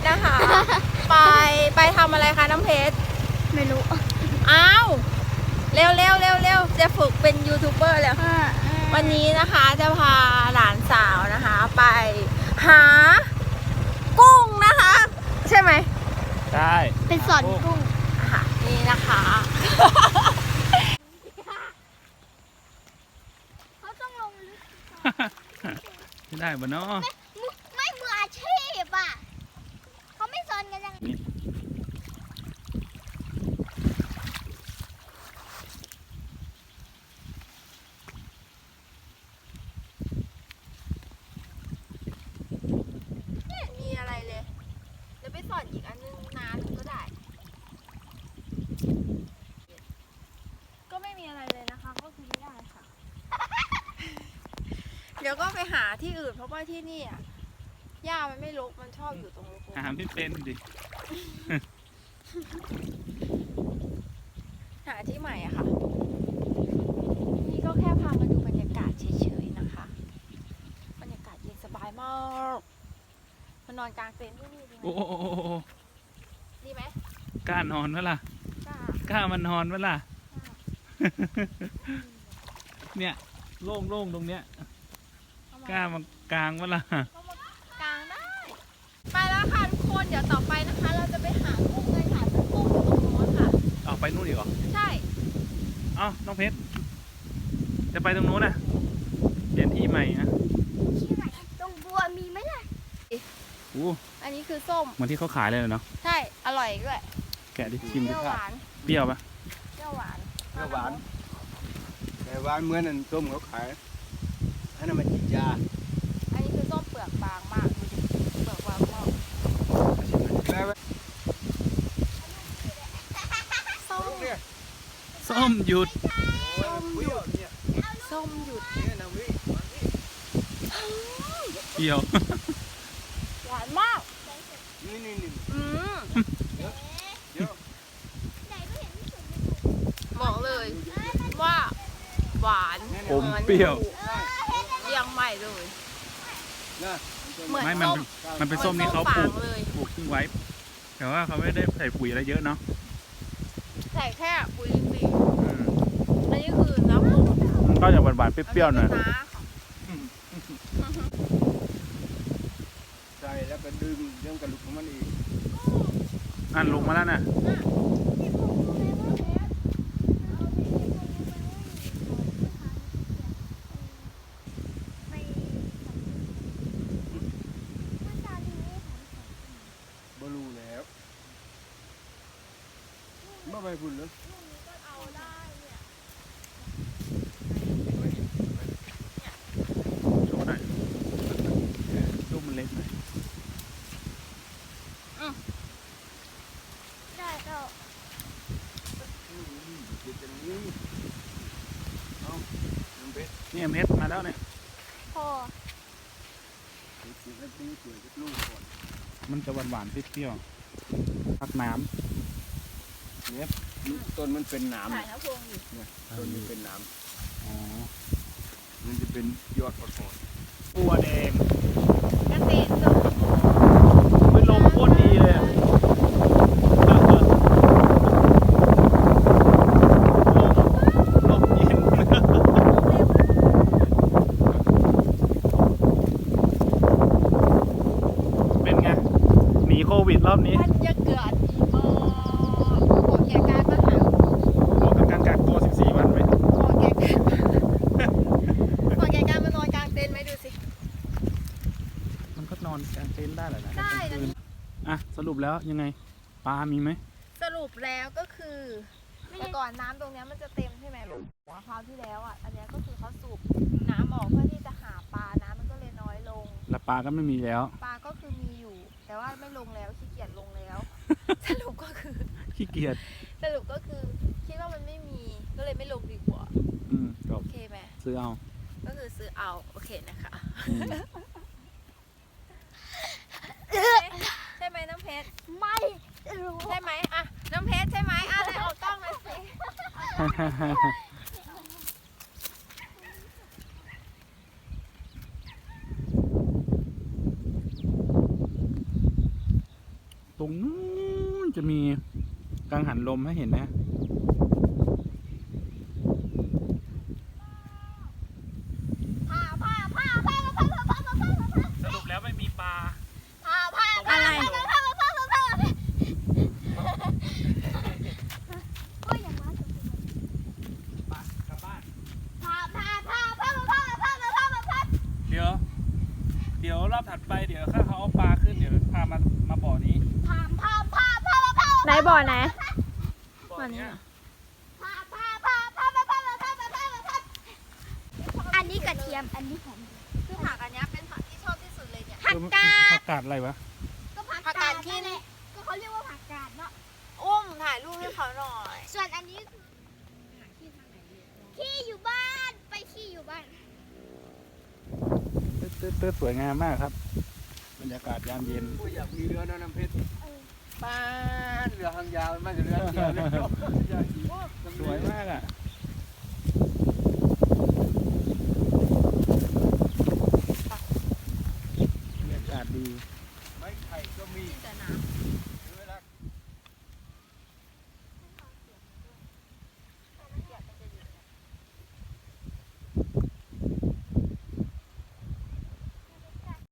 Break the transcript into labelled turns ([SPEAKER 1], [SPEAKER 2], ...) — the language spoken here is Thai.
[SPEAKER 1] นะคะ ไปทำอะไรคะน้ำเพชร
[SPEAKER 2] ไม่รู้
[SPEAKER 1] อ้าวเร็วจะฝึกเป็นยูทูบเบอร์แล้ววันนี้นะคะจะพาหลานสาวนะคะ ไปหากุ้งนะคะ ใช่ไหม
[SPEAKER 3] ใช่
[SPEAKER 2] เป็นสอนกุ้ง
[SPEAKER 1] ค่ะนี่นะคะ
[SPEAKER 2] เขาต้องลงลึก
[SPEAKER 3] ไม่ได้บ่เนาะ
[SPEAKER 2] ไม่มืออาชีพอ่ะเขาไม่สอนกันยัง
[SPEAKER 1] มีอะไรเลยเดี๋ยวไปสอนอีกอันนึงนะก็ได้ก็ไม่มีอะไรเลยนะคะก็คือไม่ได้ค่ะ เดี๋ยวก็ไปหาที่อื่นเพราะว่าที่นี่อ่ะหญ้ามันไม่รกมันชอบอยู่ตรงรก
[SPEAKER 3] หาไม่เป็นดิ
[SPEAKER 1] หาที่ใหม่อะค่ะนี่ก็แค่พามาดูบรรยากาศเฉยๆนะคะบรรยากาศเย็นสบายมากมานอนกลางเต็นท์ที่นี่ดีไหม
[SPEAKER 3] โอ้
[SPEAKER 1] ดีไหม
[SPEAKER 3] กล้านอนวะล่ะกล้ามันนอนวะล่ะ เนี่ยโล่งๆตรงเนี้ยกล้ามันกลางวะล่ะ
[SPEAKER 1] กลางได้ไปแล้วค่ะทุกคนเดี๋ยวต่อไปนะคะเราจะไปหากุ้งเลยค่ะซึ่งกุ้งอยู่ตรงโน้นค่ะ
[SPEAKER 3] เอาไปนู่นอีกเหรอ
[SPEAKER 1] ใช่
[SPEAKER 3] น้องเพชรจะไปตรงโน้นน่ะเปลี่ยนที่ใหม่นะ
[SPEAKER 2] ที่ไหนตรงบัวมีไหมล่ะ
[SPEAKER 1] อันนี้คือส้ม
[SPEAKER 3] เหมือนที่เขาขายเลยเนาะ
[SPEAKER 1] ใช่อร่อยด้วย
[SPEAKER 3] แกะดิชิมดิ
[SPEAKER 1] เปรี้ยวหวาน
[SPEAKER 3] เปรี้ยวปะ
[SPEAKER 1] เปรี้ยวหวาน
[SPEAKER 4] แต่หวานเหมือนนั่นส้มเขาขายอันนั้นมันจีจา
[SPEAKER 1] อันนี้คือส้มเปลือกบางมากดูดิเปลือกบางมากส้ม
[SPEAKER 3] ส้มหยุด
[SPEAKER 1] ส้มหยุด
[SPEAKER 3] เปรี้ยว
[SPEAKER 1] หวานมากบอกเลยว่าหวาน
[SPEAKER 3] อมเปรี้ยว
[SPEAKER 1] ยังใหม่เลยเหมือน
[SPEAKER 3] ไม่มันเป็นส้มที่เขาปลูกทิ้งไว้แต่ว่าเขาไม่ได้ใส่ปุ๋ยอะไรเยอะเนาะ
[SPEAKER 1] ใส่แค่ปุ๋ยอินทรีย์อันนี้คือน้ำผึ้ง
[SPEAKER 3] มันก็จะหวานๆเปรี้ยวๆหน่อย
[SPEAKER 4] ใส่แล้วก็ดึงเรื่องกระดูกของมันอีก
[SPEAKER 3] ลงมาแล้วน่ะ
[SPEAKER 4] บลูแล้วไม่ไปพุ่นเลย
[SPEAKER 3] โชว์หน่อยลูกมันเล็กหน่อย
[SPEAKER 2] ได้ก็
[SPEAKER 3] นี่เม็ดมาแล้วเนี่ย
[SPEAKER 2] พอ
[SPEAKER 3] มันจะหวานๆเปรี้ยวๆพักน้
[SPEAKER 4] ำเนี่ยต้นมันเป็นน้ำเนี่ยต้นมันเป็นน้ำมันจะเป็นยอดอ่อน
[SPEAKER 3] ๆบัวแดง
[SPEAKER 1] กระเตนลม
[SPEAKER 3] ไม่ลมโคตรดีเลยลมเย็นเป็นไงหนีโควิดรอบนี้
[SPEAKER 1] มันจะเกิดอีกบอกแกการมาหา
[SPEAKER 3] บอกกับการกักตัว14 วันไหม
[SPEAKER 1] บอกแกการมานอนกลางเต็นท์ไหมดูสิ
[SPEAKER 3] มันก็นอนกลางเต็นท์ได้เหรอนะ
[SPEAKER 1] ได้นะ
[SPEAKER 3] สรุปแล้วยังไงปลามีไหม
[SPEAKER 1] สรุปแล้วก็คือแต่ก่อนน้ำตรงนี้มันจะเต็มใช่ไหมลูกคราวที่แล้วอันนี้ก็คือเขาสูบน้ำออกเพื่อที่จะหาปลาน้ำมันก็เลยน้อยลง
[SPEAKER 3] แล้วปลาก็ไม่มีแล้ว
[SPEAKER 1] ปลาก็คือมีอยู่แต่ว่าไม่ลงแล้วขี้เกียจลงแล้วสรุปก็คือ
[SPEAKER 3] ขี้เกียจ
[SPEAKER 1] สรุปก็คือคิดว่ามันไม่มีก็เลยไม่ลงดีกว่าโอเคไหม
[SPEAKER 3] ซื้อเอา
[SPEAKER 1] ก็คือซื้อเอาโอเคนะคะใช่ไหมน้ำเพชร
[SPEAKER 2] ไม่
[SPEAKER 1] ใช่ไหมน้ำเพชรใช่ไหมอะไรออกกล้องมาสิ
[SPEAKER 3] รงนู้นจะมีกังหันลมให้เห็นนะ สรุปแล้วไม่มีปลา
[SPEAKER 1] อะไร
[SPEAKER 3] กลับบ้าน เดี๋ยวรอบถัดไปเดี๋ยวถ้าเขาเอาปลาขึ้นเดี๋ยวพามาบ่อนี้
[SPEAKER 1] ไหนบ่อไหน
[SPEAKER 3] บ่อเนี้ย
[SPEAKER 2] อันนี้กระเทียม อันนี้หอม
[SPEAKER 1] คือผักอันเนี้ยเป็นผักที่ชอบที่สุดเลยเนี่ย
[SPEAKER 2] ผักกาด
[SPEAKER 3] ผักกาดอะไรวะ
[SPEAKER 2] ก็ผัก
[SPEAKER 1] ผัก
[SPEAKER 2] กาก
[SPEAKER 1] า
[SPEAKER 2] ด
[SPEAKER 1] ดที่
[SPEAKER 2] นั่นแหละก็เขาเรียกว่าผักกาดเนาะ
[SPEAKER 1] อุ้มถ่ายรูปให้เขาหน่อย
[SPEAKER 2] ส่วนอันนี้ขี้อยู่บ้านไปขี้อยู่บ้าน
[SPEAKER 3] ตื้อสวยงามมากครับ บรรยากาศยามเย็น
[SPEAKER 4] อยากมีเรือนะน้ำเพชรบ้านเรือหางยาวไม่ใช่เรือเดียวเลย
[SPEAKER 3] สวยมากอ่ะบรรยากาศดี